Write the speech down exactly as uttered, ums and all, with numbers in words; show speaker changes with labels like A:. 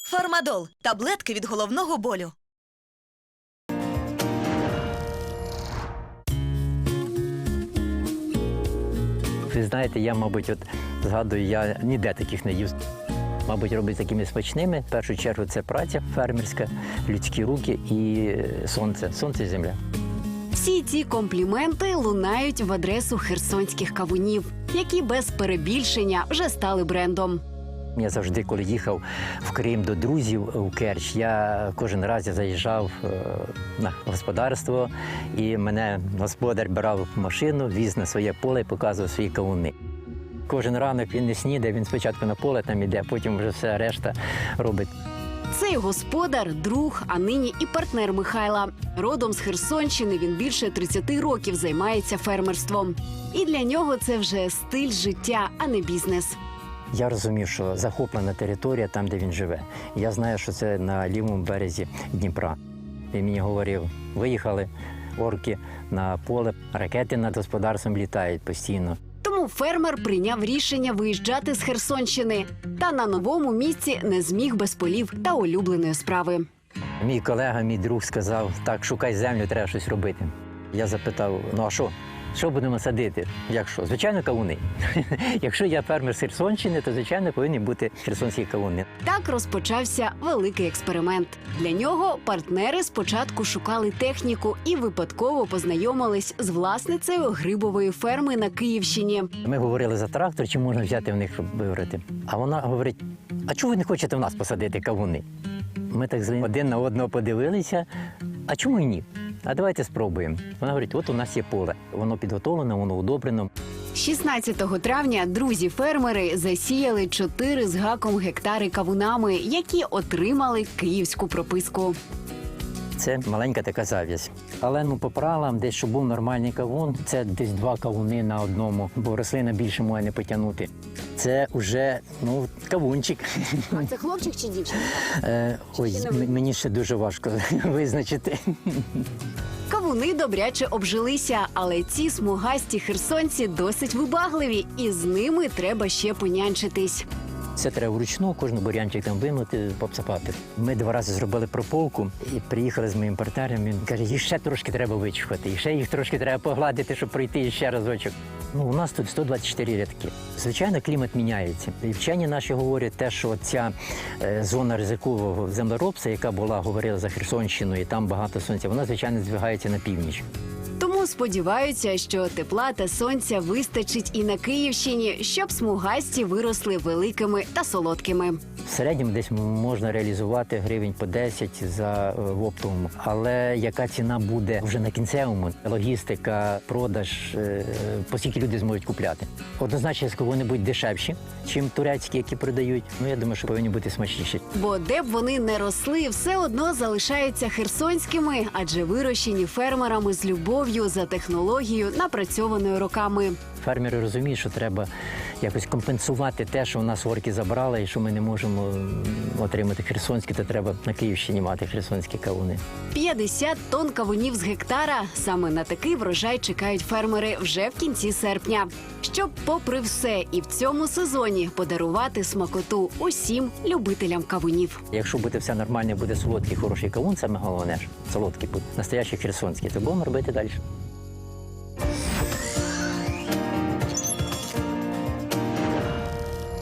A: Фармадол – таблетки від головного болю.
B: Ви знаєте, я, мабуть, от згадую, я ніде таких не їв. Мабуть, робить такими смачними. В першу чергу це праця фермерська, людські руки і сонце. Сонце і земля.
C: Всі ці компліменти лунають в адресу херсонських кавунів, які без перебільшення вже стали брендом.
B: Я завжди, коли їхав в Крим до друзів у Керч, я кожен раз я заїжджав на господарство, і мене господар брав в машину, віз на своє поле і показував свої кавуни. Кожен ранок він не снідає, він спочатку на поле там іде, потім вже все решта робить.
C: Цей господар – друг, а нині і партнер Михайла. Родом з Херсонщини він більше тридцяти років займається фермерством. І для нього це вже стиль життя, а не бізнес.
B: Я розумів, що захоплена територія там, де він живе. Я знаю, що це на лівому березі Дніпра. Він мені говорив, виїхали орки на поле, ракети над господарством літають постійно.
C: Тому фермер прийняв рішення виїжджати з Херсонщини. Та на новому місці не зміг без полів та улюбленої справи.
B: Мій колега, мій друг сказав, так, шукай землю, треба щось робити. Я запитав, ну а що? Що будемо садити? Як що? Звичайно, кавуни. Якщо я фермер з Херсонщини, то, звичайно, повинні бути херсонські кавуни.
C: Так розпочався великий експеримент. Для нього партнери спочатку шукали техніку і випадково познайомились з власницею грибової ферми на Київщині.
B: Ми говорили за трактор, чи можна взяти в них вибрати. А вона говорить, а чому ви не хочете в нас посадити кавуни? Ми так один на одного подивилися, а чому і ні? А давайте спробуємо. Вона говорить, от у нас є поле. Воно підготовлене, воно удобрено.
C: шістнадцятого травня друзі-фермери засіяли чотири з гаком гектари кавунами, які отримали київську прописку.
B: Це маленька така зав'язь. Але ну, по правилам, десь, щоб був нормальний кавун, це десь два кавуни на одному, бо рослина більше може не потягнути. Це вже, ну, кавунчик.
C: А це хлопчик чи дівчинка?
B: Е, ой, м- мені ще дуже важко визначити.
C: Кавуни добряче обжилися, але ці смугасті херсонці досить вибагливі, і з ними треба ще понянчитись.
B: Це треба вручну, кожен бур'янчик там вимити, попсапати. Ми два рази зробили прополку і приїхали з моїм партнером. Він каже, їх ще трошки треба вичухати, і ще їх трошки треба погладити, щоб пройти ще разочок. Ну, у нас тут сто двадцять чотири рядки. Звичайно, клімат міняється. І вчені наші говорять те, що ця е, зона ризикового землеробства, яка була, говорила за Херсонщину, і там багато сонця, вона, звичайно, здвигається на північ.
C: Тому сподіваються, що тепла та сонця вистачить і на Київщині, щоб смугасті виросли великими та солодкими.
B: В середньому десь можна реалізувати гривень по десять за е, в оптовому. Але яка ціна буде вже на кінцевому? Логістика, продаж, е, по скільки люди зможуть купляти? Однозначно, вони будуть дешевші, ніж турецькі, які продають. Ну, я думаю, що повинні бути смачніші.
C: Бо де б вони не росли, все одно залишаються херсонськими, адже вирощені фермерами з любов'ю за технологією, напрацьованою роками.
B: Фермери розуміють, що треба якось компенсувати те, що у нас орки забрали, і що ми не можемо отримати херсонські, то треба на Київщині мати херсонські кавуни.
C: п'ятдесят тонн кавунів з гектара. Саме на такий врожай чекають фермери вже в кінці серпня. Щоб, попри все, і в цьому сезоні подарувати смакоту усім любителям кавунів.
B: Якщо буде все нормально, буде солодкий, хороший кавун, саме головне ж, солодкий буде, настоящий херсонський, то будемо робити далі.